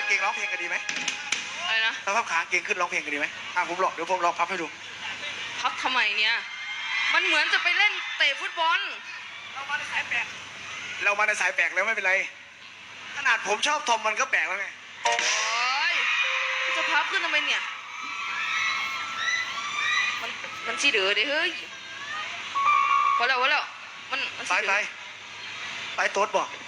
เก่งร้องเพลงกันดีไหมอะไรนะถ้าพับขาเก่งขึ้นร้องเพลงกันดีไหมผมหลอกเดี๋ยวผมลองพับให้ดูพับทำไมเนี่ยมันเหมือนจะไปเล่นเตะฟุตบอลเรามาในสายแปลกแล้วไม่เป็นไรขนาดผมชอบทอมมันก็แปลกแล้วไงโอ้ยจะพับขึ้นทำไมเนี่ยมันชี้เดือดเฮ้ยพอแล้วมันไปโต๊ดบอก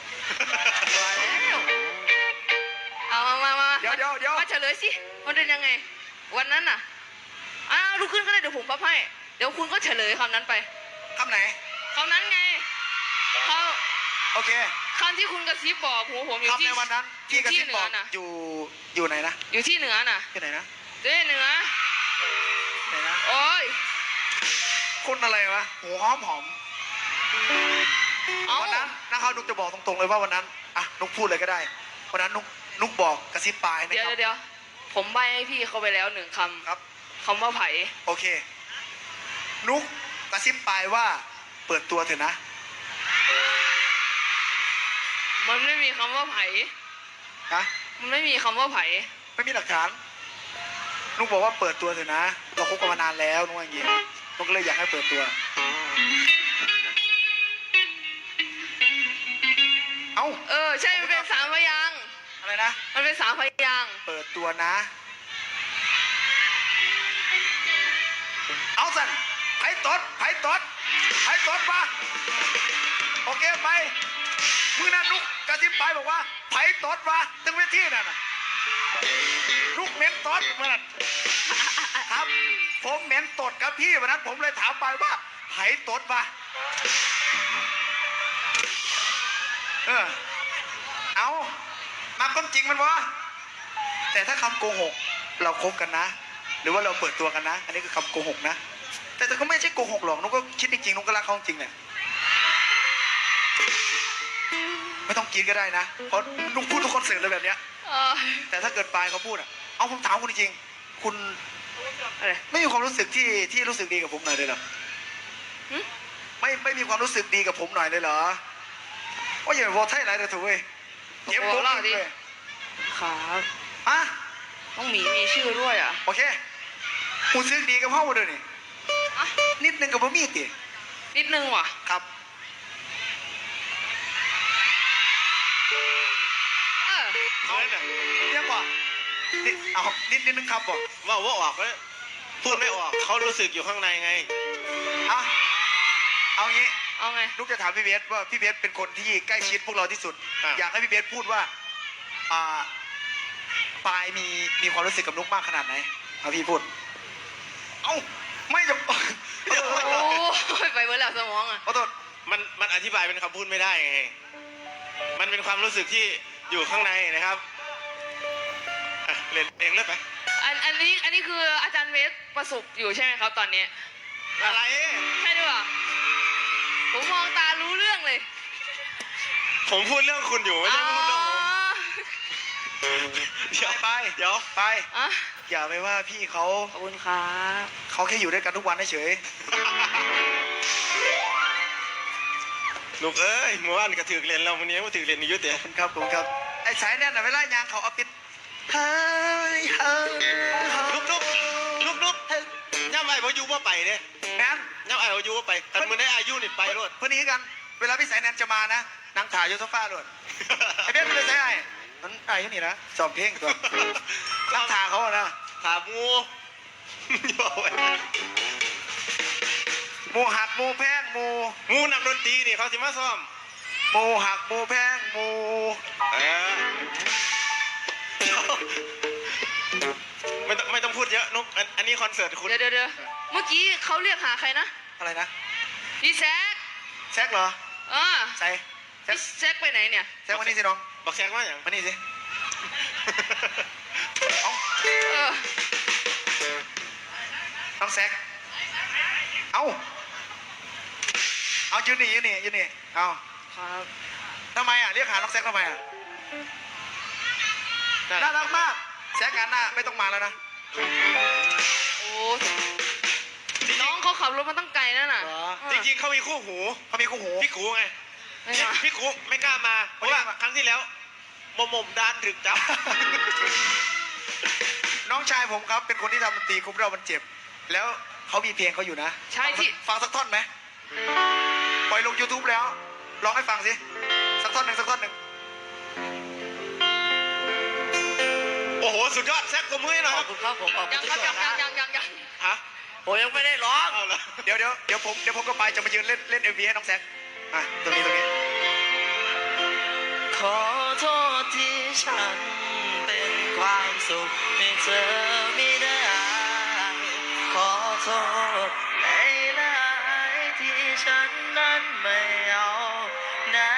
เอามาเดี๋ยวมาเฉลยสิมันเป็นยังไงวันนั้นน่ะลุกขึ้นก็ได้เดี๋ยวผมพับให้เดี๋ยวคุณก็เฉลยคำนั้นไปคำไหนคำนั้นไงโอเคคำที่คุณกระซิบบอกหัวผมอยู่ที่ในวันนั้นที่กระซิบบอกอยู่ไหนนะอยู่ที่เหนือน่ะที่ไหนนะเหนือไหนนะโอ้ยคุณอะไรวะหัวหอมวันนั้นนะครับนุกจะบอกตรงๆเลยว่าวันนั้นนุกพูดเลยก็ได้วันนั้นนุกบอกกระซิบปลายนะครับเดี๋ยวผมใบให้พี่เขาไปแล้ว1คำครับคำว่าไผ่โอเคนุกกระซิบปลายว่าเปิดตัวเถอะนะมันไม่มีคำว่าไผ่มันไม่มีคำว่าไผ่ไม่มีหลักฐานนุกบอกว่าเปิดตัวเถอะนะเราคบกันมานานแล้วนุกอย่างเงี้ยนุกก็เลยอยากให้เปิดตัวใช่มันเป็น3 พยางค์อะไรนะมันเป็น3 พยางค์เปิดตัวนะเอาสั่นไผ่ตดมาโอเคไปมือนั้นนุกกระซิบไปบอกว่าไผ่ตดมาตึงเวทีนั่นน่ะนุกเหม็นตดเมื่อนั้นครับผมเหม็นตดกับพี่วันนั้นผมเลยถามไปว่าไผ่ตดมาเอามาความจริงมันวะแต่ถ้าคำโกหกเราคบกันนะหรือว่าเราเปิดตัวกันนะอันนี้คือคำโกหกนะแต่ก็ไม่ใช่โกหกหรอกนุ๊กก็คิดจริงๆนุ๊กก็รักเขาจริงเนี่ยไม่ต้องกินก็ได้นะเพราะนุ๊กพูดทุกคอนเสิร์ตเลยแบบเนี้ยแต่ถ้าเกิดปลายเขาพูดเอาผมถามคุณจริงๆคุณไม่มีความรู้สึกที่รู้สึกดีกับผมหน่อยเลยเหรอไม่มีความรู้สึกดีกับผมหน่อยเลยเหรอว่าอย่าบอกไทยไรแต่ถูกเว้ยเก็บตัวดิครับต้องมีชื่อด้วยโอเคหูซึ้งดีกับพ่อมาเลยนี่นิดนึงกับพ่อมีตินิดนึงว่ะครับเอาเนี่ยเรียกว่าเอานิดนึงครับบอกว่าออกแล้วพูดไม่ออกเขารู้สึกอยู่ข้างในไงเอางี้เอาไงลูกจะถามพี่เบสว่าพี่เบสเป็นคนที่ใกล้ชิดพวกเราที่สุดอยากให้พี่เบสพูดว่าปายมีความรู้สึกกับนุกมากขนาดไหนเอาพี่พูดไม่จะโอ้ยไปเมื่อแล้วสมองขอโทษมันอธิบายเป็นคำพูดไม่ได้ไงมันเป็นความรู้สึกที่อยู่ข้างในนะครับเล่นเองเลยไปอันนี้คืออาจารย์เวสประสบอยู่ใช่ไหมครับตอนนี้อะไรใช่ด้วยผมมองตารู้เรื่องเลยผมพูดเรื่องคุณอยู่ไม่ใช่พูดเรื่องผมเดี๋ยวไปอย่าไปว่าพี่เขาขอบคุณครับเขาแค่อยู่ด้วยกันทุกวันเฉยลูกเอ้ยเมื่อวานก็ถือเรียนเราวันนี้ก็ถือเรียนอยู่เต๋อครับผมครับไอ้สายเนี่ยเวลายางเขาเอาปิดลุกย่ำไอ้พายุว่าไปเนี่ยแม่ย่ำไอ้พายุว่าไปแต่เมื่อได้อายุนี่ไปรถเพื่อนนี้กันเวลาพี่สายแนนจะมานะนั่งถ่ายยูโซฟาด้วยไอ้เบสไม่ได้ใช่นั้นไอ้ที่นี่นะสอบเพลงตัวนั่งถ่ายเขาอะนะถามงูหมูหักหมูแพงหมูนักดนตรีนี่เขาสิมาซ้อมหมูหักหมูแพงหมูไม่ต้องพูดเยอะนุ๊กอันนี้คอนเสิร์ตคุณเดี๋ยวเมื่อกี้เขาเรียกหาใครนะอะไรนะพี่แซกเหรอใส่แซกไปไหนเนี่ยแซกมานี่สิน้องบอกแซกว่าอย่างมานี่สิน้องแซกเอายืนนี่เอาครับทำไมเรียกหาน้องแซกทำไมน่ารักมากแซกงานหน้าไม่ต้องมาแล้วนะโอ้น้องเขาขับรถมาตั้งไกลนั่นน่ะจริงๆเขามีคู่หูพี่กูไงพี่กูไม่กล้ามาเพราะว่าครั้งที่แล้วหม่มด้านถึกจับน้องชายผมครับเป็นคนที่ทำดนตรีคุ้มเรามันเจ็บ แล้วเขามีเพลงเขาอยู่นะใช่ที่ฟังสักท่อนไหมปล่อยลง YouTube แล้วลองให้ฟังสิสักท่อนหนึ่งโอ้โหสุดยอดแซกกมือหน่อยขคอรับบ คุณครับผมขอบคุยัณงทุกครับคนยังฮะผมยังไม่ได้ร้องเอาละเดี๋ยวผมก็ไปจะมายืนเล่น MV ให้น้องแซคอ่ะตรงนี้ขอโทษที่ฉันเป็นความสุขให้เธอไม่ได้ ขอโทษหลายๆที่ฉันนั้นไม่เอาไหน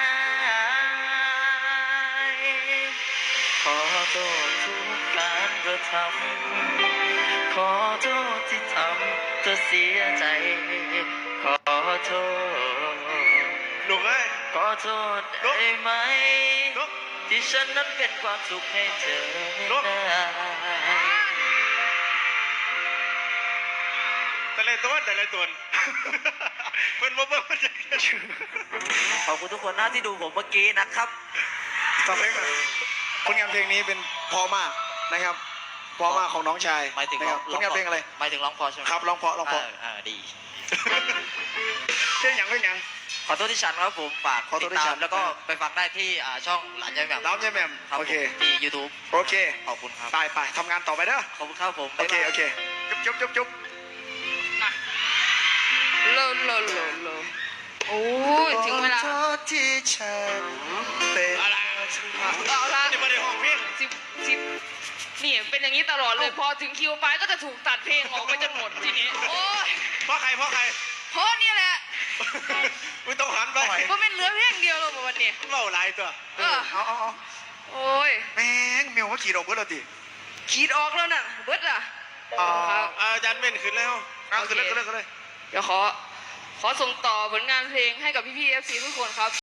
ขอโทษทุกการกระทำขอโทษที่ทำเธอเสียใจ ขอโทษหนุกเลยขอโทษได้ไหมลุกที่ฉันนั้นเป็นความสุขให้เธอไม่ได้แต่ละตัวเพิ่นบ่เบิ่งมันจะขอบคุณทุกคนนะที่ดูผมเมื่อกี้นะครับฟังเพลงมาผลงานเพลงนี้เป็นเพอมากนะครับเพอมากของน้องชายหมายถึงนะครับผลงานเพลงอะไรหมายถึงร้องพอใช่ไหมครับร้องเพราะดีเพลงอย่างขอโทษที่ฉันครับผมฝากขอโทติษดที่ตาฉัมนแล้วก็ไปฟังได้ที่ช่องหลานยายแหม่มร้องยายแหม่มครับโอเคผมที่ YouTube โอเคขอบคุณครับไปทำงานต่อไปเด้อขอบคุณครับผมโอเคบ๊ายบายโอเคจุ๊บมาโลโอ้ยถึงเวลาขอโทษที่ฉันเป็นอะไรเอาละนี่ไม่ได้ห้องเพลงสิบนี่เป็นอย่างนี้ตลอดเลย พอถึงคิวไปก็จะถูกตัดเพลงออกไปจนหมดทีนี้ โอ้ยเพราะใครเพราะนี่แหละมึงต้องหันไปเพราะเป็นเหลือเพลงเดียวเลยวันนี้เล่าหลายตัวเอา โอ้ยแม่งเมียวว่าขี่ดอกเพื่อนเราติขีดออกแล้วน่ะเบิดล่ะอ๋อครับอาจารย์เม่นขึ้นแล้วเอาขึ้นเลยเดี๋ยวขอส่งต่อผลงานเพลงให้กับพี่ๆ FC ทุกคนครับ